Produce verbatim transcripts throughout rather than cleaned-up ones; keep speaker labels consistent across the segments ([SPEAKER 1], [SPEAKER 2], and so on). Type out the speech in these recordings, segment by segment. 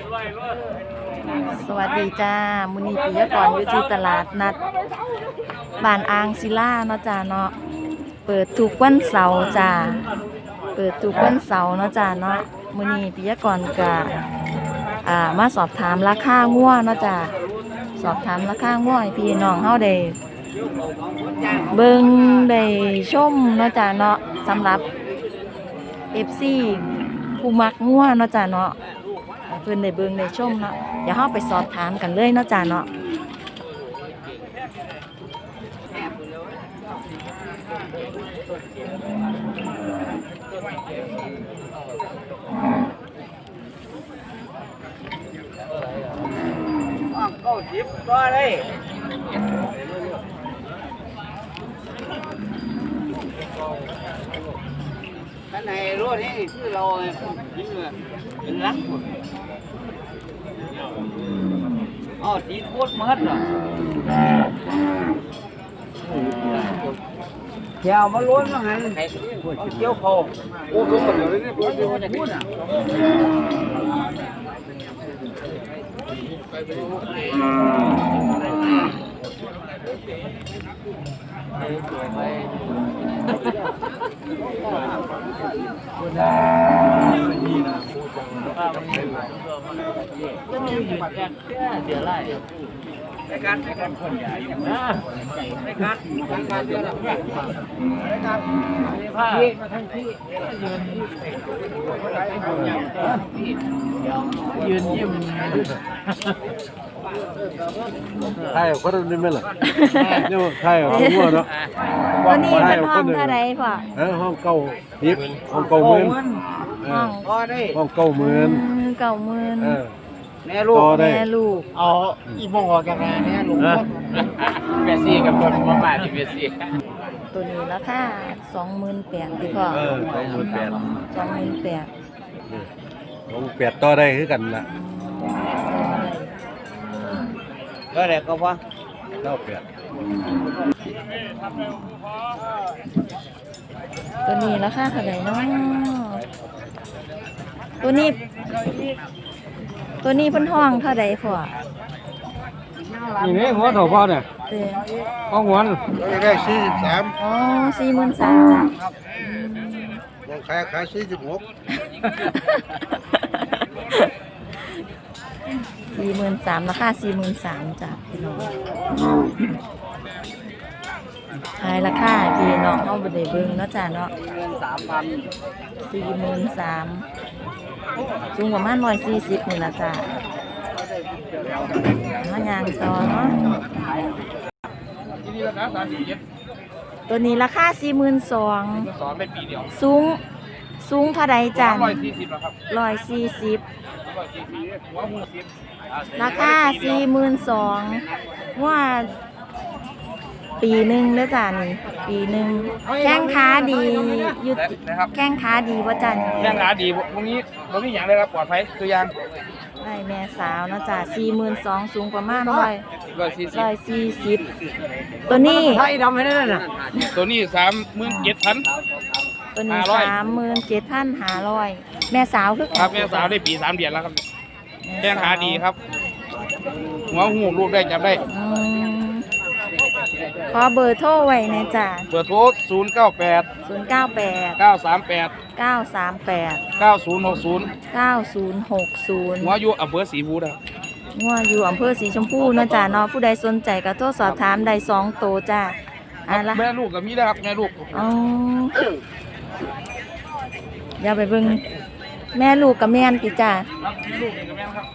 [SPEAKER 1] สวัสดีจ้ามุนีปิยกรอยู่ที่ตลาดนัดบ้านอ่างศิลาเนาะจ้าเนาะเปิดทุกวันเสาร์จ้าเปิดทุกวันเสาร์เนาะจ้าเนาะมุนีปิยกรก็อ่ามาสอบถามราคางัวเนาะจ้าสอบถามราคางัวให้พี่น้องเฮาได้เบิ่งได้ชมเนาะจ้าเนาะสำหรับ เอฟ ซี ผู้มักงัวเนาะจ้าเนาะเพิ่นได้เบิ่งได้ชมเนาะเดี๋ยวเฮาไปสอบถามกันเลยเนาะจ้าเนาะ
[SPEAKER 2] เก้าสิบก็ได้ท่านไหนรู้นี่คือเราเป็นรักอ๋อตีโคตรมัดเหรอแถวมาล้วนมาหันเอาเกี่ยวเขาโอ้รู้หมดเลยนี่พูดจะพูดอ่ะจะมีอยู่แค่เดียวไล่ในการในการคนใหญ่ในการในการเดียวละในการผ้ามาทั้งที่ยืนยืนยิ้ม
[SPEAKER 3] ใช่คนนี้ไม่หรอเนี่ยใช่เอาหัวเนาะ
[SPEAKER 1] วันนี้เป็นห้องเท่าไรพ่อ
[SPEAKER 3] เออห้องเก้าทิพย์ห้องเก้าหมื่น
[SPEAKER 1] ห้อง
[SPEAKER 2] ก็ได้
[SPEAKER 3] ห้องเก้าหมื่น
[SPEAKER 1] เก้าหมื่น
[SPEAKER 2] แม่ลูก
[SPEAKER 1] แม่ลูก
[SPEAKER 2] เอาอีโมงออกจากงานเนี่ยลูกเบียซี่กับคนมาบ้านที่เบียซี่
[SPEAKER 1] ตัวนี้ราคาสองหมื่นแปดที่พ่อ
[SPEAKER 3] เออสองหมื่นแปด
[SPEAKER 1] สองหมื่นแปด
[SPEAKER 3] สองแปดต่อได้คือกันละ
[SPEAKER 2] ก็ได้ก็พอ
[SPEAKER 3] เก้าแปด
[SPEAKER 1] ตัวนี้ราคาเท่าไหร่เนาะตัวนี้ตัวนี้เพิ่นห้องเท่าไหร่พ่อ
[SPEAKER 2] นี่นี่หัวเท่าพ่อเนี่ยห้องหัว
[SPEAKER 3] ได้สี่สิบสาม
[SPEAKER 1] อ๋อสี่หมื่นสามจ้ะ
[SPEAKER 3] ลงขายขายสี่สิบหก
[SPEAKER 1] สี่หมื่นสามราคาสี่หมื่นสามจ้ะพี่น้องขายราคาพี่น้องเอาไปได้เบิ่งเนาะจ้ะเนาะสี่หมื่นสามสูงประมาณร้อยสี่สิบนี่ละจ้ะมายางต่อเนาะตัวนี้ราคาสี่หมื่นสองสูงสูงเท่าใดจ้ะร้อยสี่สิบราคาสี่หมื่นสองว่าปีหนึ่งเด้อจ้ะนี่ปีหนึ่งแข้งขาดียุดแข้งขาดีว่าจัน
[SPEAKER 2] แข้งขาดีพวกนี้พวกนี้อย่างเลยครับปลอดภัยตัวอย่าง
[SPEAKER 1] ได้แม่สาวนะจ้ะสี่หมื่นสองสูงประมาณร้อยร้อยสี่สิบตัวนี้
[SPEAKER 2] ไทยดำไม่ได้น่ะตัวนี้สามหมื่นเจ็ดพัน
[SPEAKER 1] ตัวนี้สามหมื่นเจ็ดพันห้าร้อยแม่สาวคือ
[SPEAKER 2] ครับแม่สาวได้ปีสามเดือนแล้วครับแข้งขาดีครับหัวหูลูกได้จับได้
[SPEAKER 1] ขอเบอร์โทรไว้นะจ้ะ
[SPEAKER 2] เบอร์โทรศูนย์เก้าแปด
[SPEAKER 1] ศูนย์เก้าแปด
[SPEAKER 2] เก้าสามแปด
[SPEAKER 1] เก้าสามแปด
[SPEAKER 2] เก้าศูนย์หกศูนย์
[SPEAKER 1] เก้าศูนย์หกศูนย์
[SPEAKER 2] หัวอยู่อำเภอศรีบูรณ์
[SPEAKER 1] หัวอยู่อำเภอสีชมพูนะจ้ะเนาะผู้ใดสนใจก็โทรสอบถามได้สองโตจ้ะ
[SPEAKER 2] อะไรแม่ลูกกับมีได้ครับแม่ลูก
[SPEAKER 1] อ๋ออย่าไปเบิ่งแม่ลูกกับแม่นติจ้ะ
[SPEAKER 2] ลูกกับแม่ครับ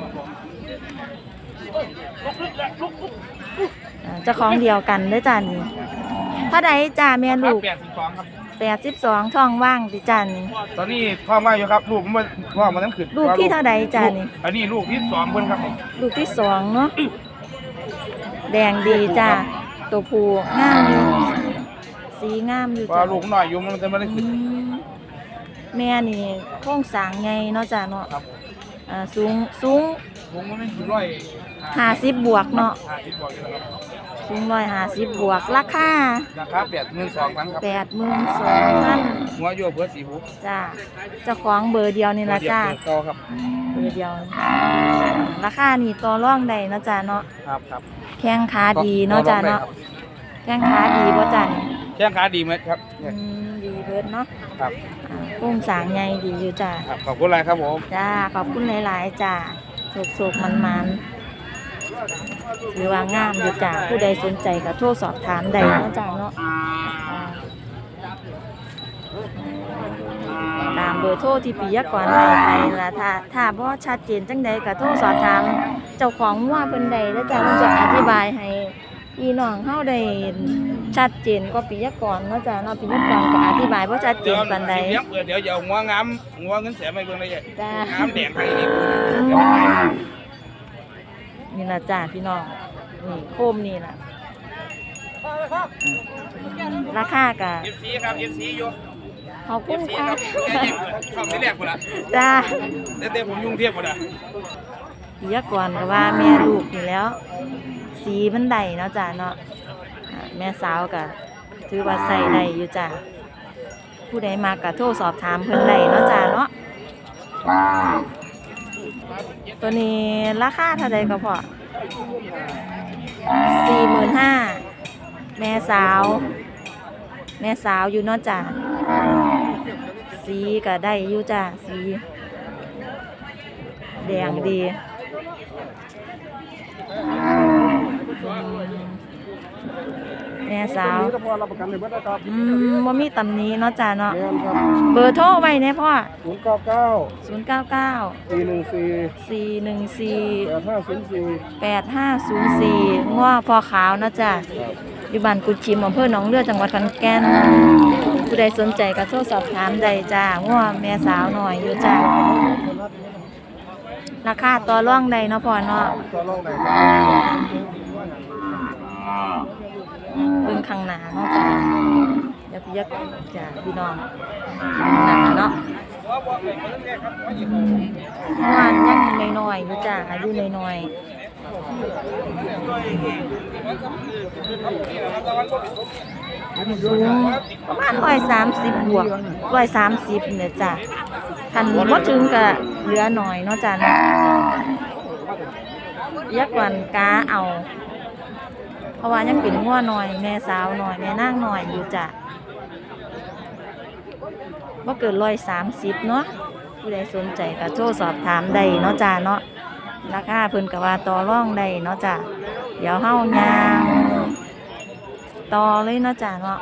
[SPEAKER 1] เจ้าของเดียวกันได้จ้านี่ถ้าใดจ้าแม่ลูก
[SPEAKER 2] แปดสิบสองครับ
[SPEAKER 1] แปดสิบสองท้องว่างติจ้านี่
[SPEAKER 2] ตอนนี้ท้องว่างอยู่ครับลูกมันว่างมันต้องขึ้น
[SPEAKER 1] ลูกที่เท่าใดจ้านี่
[SPEAKER 2] อันนี้ลูกที่สองเพิ่นครับ
[SPEAKER 1] ลูกที่สองเนาะแดงดีจ้าตัวผู้งามอยู่สีงามอยู่
[SPEAKER 2] จ้าลูกหน่อยอยู่มันจะไม่ได้ขึ้น
[SPEAKER 1] แม่นี่โครงสร้างไงเนาะจ้าเนาะอ่าสูงสูง
[SPEAKER 2] สูงมันไม่ถึงร้อย
[SPEAKER 1] ห้าสิบบวกเนาะสูงร้อยห้าสิบบวกราคา
[SPEAKER 2] ราคาแปดหมื่นสองพันครับ
[SPEAKER 1] แปดหมื่นสองพัน
[SPEAKER 2] หัวโยกเพื่อสีบุ
[SPEAKER 1] จ้าเจ้าของเบอร์เดียวนี่ละจ้า
[SPEAKER 2] เก่าครับ
[SPEAKER 1] เบอร์เดียว ราคานี่ต่อรองได้เนาะจ้าเนาะ
[SPEAKER 2] ครับครับ
[SPEAKER 1] แข้งขาดีเนาะจ้าเนาะแข้งขาดีบ่จ้านี่
[SPEAKER 2] แข้งขาดีไหมครับ
[SPEAKER 1] อืมดีเบิดเนาะ
[SPEAKER 2] ครับ
[SPEAKER 1] อ่ากุ้งสางใหญ่ดีอยู่จ้า
[SPEAKER 2] ครับขอบคุณอะไรครับผม
[SPEAKER 1] จ้าขอบคุณหลายๆจ้าโศกๆมันๆหรือว่างามอยู่จ้าผู้ใดสนใจก็โทรสอบถามได้เนาะจ้าเนาะอ่าตามเบอร์โทรที่ปิยกรให้ไปล่ะถ้าถ้าบ่ชัดเจนจังใดก็โทรสอบถามเจ้าของงัวเพิ่นใดแล้วจ้าเพิ่นจะอธิบายให้พี่น้องเฮาได้ชัดเจนกว่าปิยกรเนาะจ้าเนาะปิยกรก็อธิบายบ่ชัดเจนปานใด
[SPEAKER 2] เดี๋ยวเดี๋ยวเดี๋ยวงัวงามงัวเงินแสนไม่เบิ่งเลย
[SPEAKER 1] จ้า
[SPEAKER 2] งามแดงไทยนี่
[SPEAKER 1] นี่ล่ะจ้าพี่น้องนี่โคมนี่ล่ะราคากะ
[SPEAKER 2] เอฟซีครับเอฟซีอยู่
[SPEAKER 1] ขอบคุณค่ะ
[SPEAKER 2] ชอบที่แรกคนละ
[SPEAKER 1] จ้า
[SPEAKER 2] แต่แต่ผมยุ่งเทียบคนละ
[SPEAKER 1] ปิยกรก็ว่าแม่ลูกนี่แล้ว สีมันได้เนาะจ้าเนาะอ่าแม่สาวก็ถือว่าใส่ได้อยู่จ้าผู้ใดมากะโทรสอบถามเพิ่นได้เนาะจ้าเนาะตัวนี้ราคาเท่าใดก็พอสี่หมื่นห้าแม่สาว แม่สาวอยู่เนาะจ้าสีก็ได้อยู่จ้าสีแดงดีแม่สาว
[SPEAKER 3] พอรับประกันเลยบ่ได้ครับ
[SPEAKER 1] อืมบ่มีตำหนี้เนาะจ้าเนาะ
[SPEAKER 3] แม่นครับ
[SPEAKER 1] เบอร์โทรไว้เนี่ยพ่อ
[SPEAKER 3] ศูนย์เก้าเก้า
[SPEAKER 1] ศูนย์ เก้า เก้า
[SPEAKER 3] สี่หนึ่งสี่
[SPEAKER 1] สี่ หนึ่ง สี่
[SPEAKER 3] แปดห้าศูนย์สี่
[SPEAKER 1] แปดห้าศูนย์สี่ง้อพอขาวเนาะจ้าอยู่บ้านกุดชิมอำเภอหนองเรือจังหวัดขอนแก่นผู้ใดสนใจก็โทรสอบถามได้จ้าง้อแม่สาวหน่อยอยู่จ้าราคาต่อรองได้เนาะพ่อเนาะ
[SPEAKER 3] ตัวลงไหนครับ
[SPEAKER 1] เบิ่งข้างหน้าเนาะจ้าเดี๋ยวพี่ยักจ้าพี่น้องหน้าเนาะงานยังน้อยๆอยู่จ้าอายุน้อยๆสูงประมาณร้อยสามสิบบวกร้อยสามสิบเนี่ยจ้าคันบ่ถึงก็เหลือหน่อยเนาะจ้าเนาะยักวันกาเอาเพราะว่ายังเป็นงัวหน่อยแม่สาวหน่อยแม่นางหน่อยอยู่จ้ะว่าเกินร้อยสามสิบเนาะผู้ใดสนใจก็โทรสอบถามได้เนาะจ้ะเนาะราคาเพิ่นก็ว่าต่อรองได้เนาะจ้ะเดี๋ยวเฮายางต่อเลยเนาะจ้ะเนาะ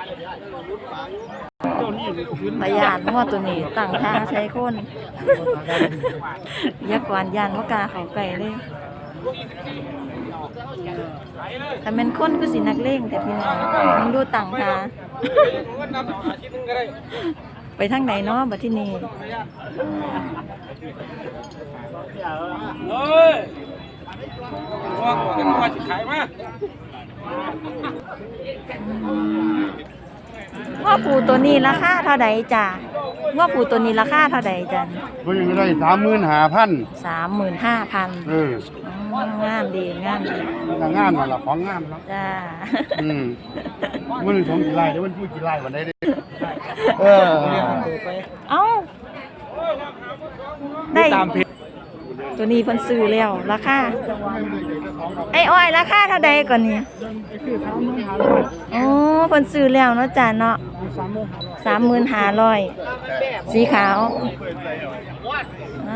[SPEAKER 1] พยานงัวตัวนี้ตั้งท่าใช้คนยักษ์กวนยานว่ากล้าเข้าใกล้เลยถ้าเป็นคนก็สินักเลงแต่พี่น้องมึงดูต่างทาไปทางไหนเนาะบัดที่นี่
[SPEAKER 2] เฮ้ยงัวกันงัวขายมา
[SPEAKER 1] ว่าปูตัวนี้ราคาเท่าใดจ้ะว่าปูตัวนี้ราคาเท่าใดจ้ะ
[SPEAKER 3] ก็ยังได้สามหมื่นห้าพัน
[SPEAKER 1] สามหมื่นห้าพัน
[SPEAKER 3] เออ
[SPEAKER 1] อ๋องามดีงามดี
[SPEAKER 3] ก็งามนั่นล่ะของงามเนาะ
[SPEAKER 1] จ้า
[SPEAKER 3] อืมมันสองกี่ไร่เดี๋ยวมันพูดกี่ไร่วันไหนเด้เออ
[SPEAKER 1] เอ้าได้ตัวนี้เพิ่นซื้อแล้วราคาไอ้อ้อยราคาเท่าใดก่อนนี่โอ้เพิ่นซื้อแล้วเนาะจ้ะเนาะสามหมื่นห้าร้อยสีขาวอ่า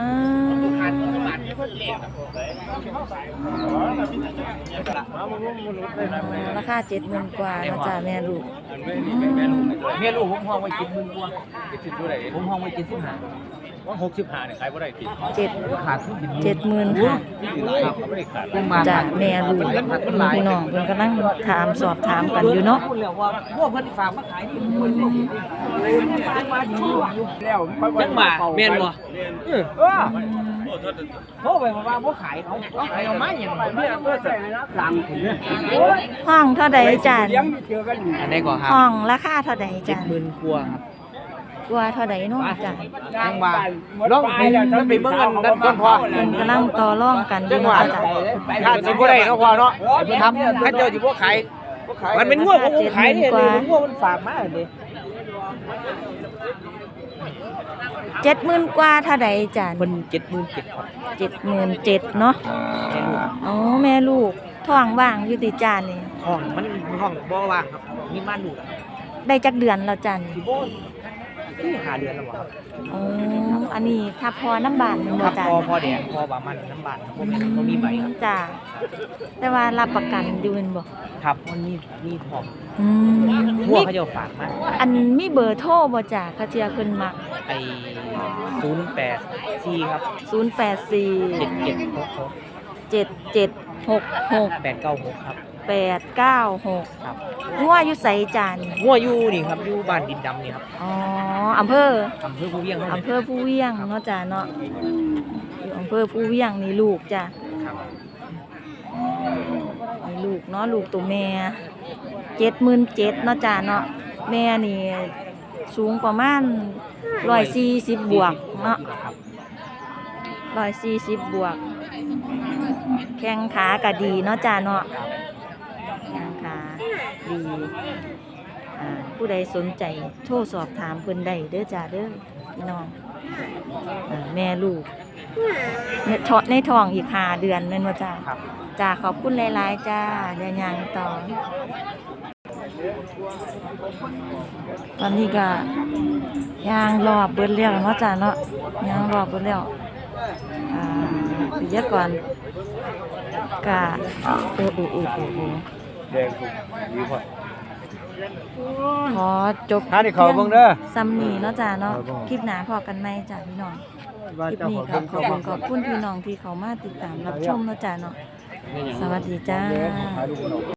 [SPEAKER 1] ราคาเจ็ดหมื่นกว่าเนาะจ้ะแม่ลูก
[SPEAKER 2] เมียลูกผมห้องไว้กินมึงกว่ากินเท่าไหร่ผมห้องไว้กินสิบห้าว่าหกสิบห้าเนี่ยใครบ่ได้กิน
[SPEAKER 1] เจ็ด
[SPEAKER 2] ขาดทุนกิน
[SPEAKER 1] เจ็ดหมื่นห้า
[SPEAKER 2] เขาไม่ได้ขาด
[SPEAKER 1] จ้ะแม่ลูกพี่น้องเพิ่นกำลังถามสอบถามกันอยู่เนาะ
[SPEAKER 2] พูดแล้วว่าพวกเพิ่นฝากมาขายนี่มันมาดีแล้วยังมาแม่นบ่เออโทรไปว่าบ่ขายเขาขายเอามาหยังเนี่ยเพิ่นใส่นะหลังเนี่ย
[SPEAKER 1] ห้องเท่าใดจ้ะ
[SPEAKER 2] อันนี้ก็ครับ
[SPEAKER 1] ห้องราคาเท่าใดจ้ะ
[SPEAKER 2] หมื่นกว่าครับ
[SPEAKER 1] กว่าเท่าใดเนาะจ้ะ
[SPEAKER 2] จังว่าลองมันไปเบิ่งกันนั่นก่อนพอ
[SPEAKER 1] เพิ่นกำลังต่อรองกันอ
[SPEAKER 2] จั
[SPEAKER 1] ยู่
[SPEAKER 2] งหวะ
[SPEAKER 1] เนาะจ้ะ
[SPEAKER 2] ถ้าสิบ่ได้เนาะพอเนาะทำถ้าเจ้าสิบ่ขายมันเป็นง่วงของผมขายเนี่ยเลยง่วงมันฝากมาเลย
[SPEAKER 1] เจ็ดหมื่นกว่าเท่าใดจ้ะ
[SPEAKER 2] มันเจ็ดหมื่นเจ็ดครับ
[SPEAKER 1] เจ็ดหมื่นเจ็ดเนาะ
[SPEAKER 2] แค่ลูก
[SPEAKER 1] อ๋อแม่ลูกท้องว่างอยู่ติจ้านี่
[SPEAKER 2] ห้องมันห้องบ่ว่างครับมีม่านดู
[SPEAKER 1] ได้จักเดือนแล้วจ้ะนี่
[SPEAKER 2] สิโบที่หาเดือนแล้วครับ
[SPEAKER 1] อ๋ออันนี้ถ้าพอน้ำบานแม่น
[SPEAKER 2] ค
[SPEAKER 1] บ่
[SPEAKER 2] รับ
[SPEAKER 1] จ้ะ
[SPEAKER 2] พอพอแดงพอบามันน้ำบานครับผมบ่มีใบครับ
[SPEAKER 1] จ้ะแต่ว่ารับประกันอยู่แม่นบ่
[SPEAKER 2] ครับมันมีมีพร้อม
[SPEAKER 1] อืม
[SPEAKER 2] หัว
[SPEAKER 1] มี
[SPEAKER 2] เขาจะฝากมา
[SPEAKER 1] อันมีเบอร์โทรบ่จ้ะเขาเจียเพิ่นมัก
[SPEAKER 2] ไอ้ศูนย์แปดสี่ครับ
[SPEAKER 1] ศูนย์แปดสี่
[SPEAKER 2] เจ็ดเจ็ดหกหก
[SPEAKER 1] เจ็ดเจ็ดหกหก
[SPEAKER 2] แปดเก้าหกครับ
[SPEAKER 1] แปดเก้าหก
[SPEAKER 2] ครับ
[SPEAKER 1] งัวอยู่ไสจ้ะนี่
[SPEAKER 2] หัวอยู่นี่ครับอยู่บ้านดินดำนี่ครับ
[SPEAKER 1] อ๋ออำเภอ
[SPEAKER 2] อำเภอภูเวียงเท่า
[SPEAKER 1] อำ
[SPEAKER 2] นั้น
[SPEAKER 1] เภอผู้เวียงเนาะจ้ะเนาะอยู่อำเภอผู้เวียงนี่ลูกจ้ะ
[SPEAKER 2] ครับ
[SPEAKER 1] นี่ลูกเนาะลูกตัวแม่เจ็ดหมื่นเจ็ดเนาะจ้ะเนาะแม่นี่สูงประมาณร้อยสี่สิบบวกเนาะ
[SPEAKER 2] ครับ
[SPEAKER 1] ร้อยสี่สิบบวก แข้งขาก็ดีเนาะจ้ะเนาะแข้งขาดีอ่าผู้ใดสนใจโทรสอบถามเพิ่นได้เด้อจ้ะเด้อพี่น้องอ่าแม่ลูกในท้องในท้องอีกห้าเดือนแม่นบ่จ้ะ
[SPEAKER 2] ครับ
[SPEAKER 1] จ้าขอบคุณหลายๆจ้าเดี๋ยวยังต่อ ตอนนี้ก็ยางรอบเบิดแล้วเนาะจ้าเนาะยางรอบเบิดแล้วอ่าปิยกรกะโอ้โอ้โอ้โอ้โอ้
[SPEAKER 3] แดงสุกดีพอ
[SPEAKER 1] ขอจบ
[SPEAKER 3] หาที่เขาเบิ่งเด้อ
[SPEAKER 1] ซ้ำนี้เนาะจ้าเนาะ
[SPEAKER 3] ครับผม
[SPEAKER 1] คลิปหน้าพอกันไหมจ้าพี่น้อง
[SPEAKER 3] ว่า
[SPEAKER 1] คลิป
[SPEAKER 3] เจ้า
[SPEAKER 1] นี้
[SPEAKER 3] ของ
[SPEAKER 1] ก็
[SPEAKER 3] เบิ่ง
[SPEAKER 1] ขอบ
[SPEAKER 3] เขา
[SPEAKER 1] คุณขอบคุณพี่น้องที่เขามาติดตามรับชมเนาะจ้าเนาะสวัสดีจ้า
[SPEAKER 3] ขายลูกน้อง